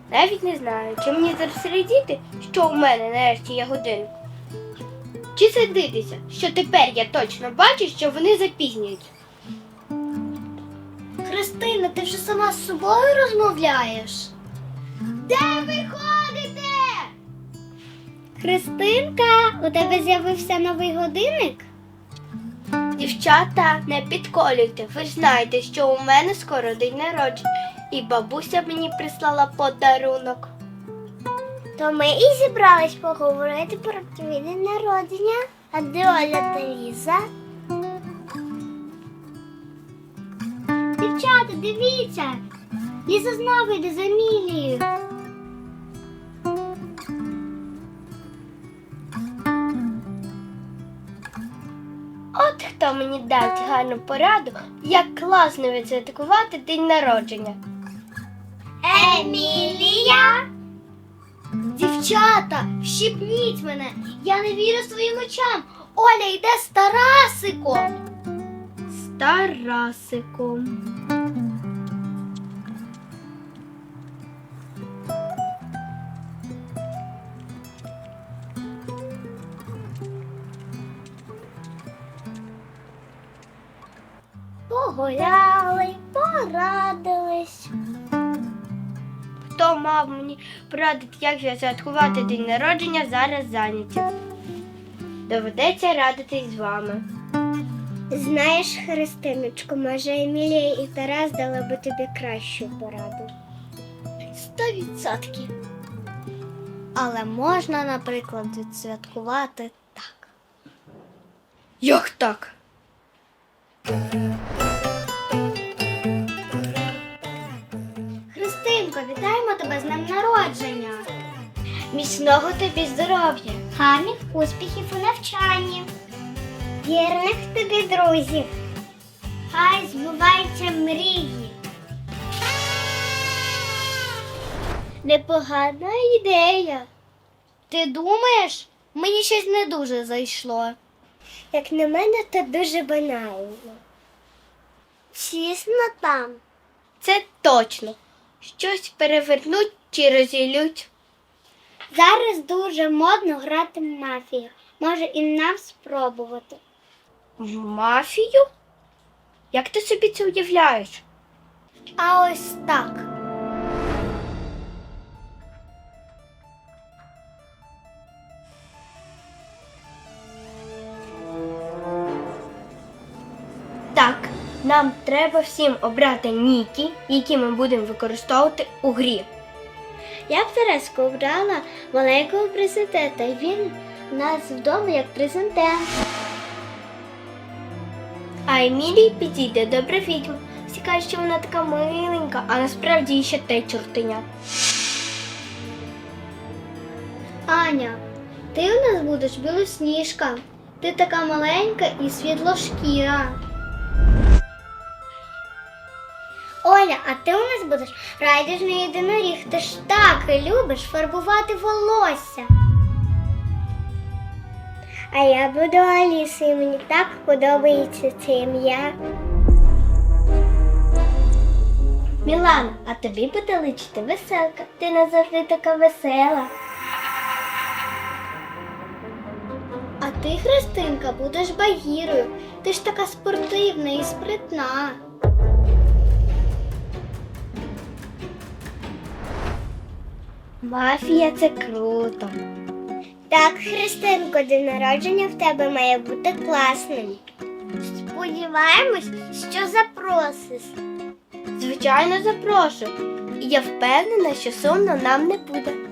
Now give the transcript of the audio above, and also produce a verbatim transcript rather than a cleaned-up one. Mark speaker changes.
Speaker 1: Навіть не знаю, чи мені зараз радіти, що у мене нарешті є годинник. Чи сердитися, що тепер я точно бачу, що вони запізнюються.
Speaker 2: Христина, ти вже сама з собою розмовляєш?
Speaker 1: Де ви ходите?
Speaker 2: Христинка, у тебе з'явився новий годинник?
Speaker 1: Дівчата, не підколюйте. Ви ж знаєте, що у мене скоро день народження. І бабуся мені прислала подарунок.
Speaker 2: То ми і зібрались поговорити про твій день народження. А де Оля та Ліза? Дівчата, дивіться! Ліза знову йде за Емілією.
Speaker 1: От хто мені дасть гарну пораду, як класно відсвяткувати день народження.
Speaker 2: Емілія! Дівчата, вщипніть мене! Я не вірю своїм очам! Оля йде з Тарасиком!
Speaker 1: З Тарасиком.
Speaker 2: Погуляли, порадились.
Speaker 1: Хто мав мені порадити, як відсвяткувати день народження, зараз зайняті. Доведеться радитись з вами.
Speaker 2: Знаєш, Христиночко, може Емілія і Тарас дали би тобі кращу пораду. Сто відсотків. Але можна, наприклад, відсвяткувати так.
Speaker 1: Як так?
Speaker 2: Христинко, вітаємо тебе з днем народження.
Speaker 1: Міцного тобі здоров'я.
Speaker 2: Гарних успіхів у навчанні. Вірних тобі друзів. Хай збуваються мрії. Непогана ідея. Ти думаєш? Мені щось не дуже зайшло. Як на мене, то дуже банально. Чесно там.
Speaker 1: Це точно. Щось перевернуть чи розілють.
Speaker 2: Зараз дуже модно грати в мафію. Може і нам спробувати.
Speaker 1: В мафію? Як ти собі це уявляєш?
Speaker 2: А ось так.
Speaker 1: Так, нам треба всім обрати ніки, які ми будемо використовувати у грі.
Speaker 2: Я б Тереску обрала маленького президента, і він у нас вдома як президент.
Speaker 1: А Емілії підійде добра відьма. Всі кажуть, що вона така миленька, а насправді ще те чортеня.
Speaker 2: Аня, ти у нас будеш білосніжка. Ти така маленька і світлошкіра. Оля, а ти у нас будеш райдужний єдиноріг. Ти ж так любиш фарбувати волосся. А я буду Алісою, мені так подобається це ім'я.
Speaker 1: Мілана, а тобі буде личити веселка. Ти назавжди така весела.
Speaker 2: А ти, Христинка, будеш Багірою. Ти ж така спортивна і спритна.
Speaker 1: Мафія – це круто.
Speaker 2: Так, Христинко, день народження в тебе має бути класним. Сподіваємось, що запросиш.
Speaker 1: Звичайно, запрошую. І я впевнена, що сумно нам не буде.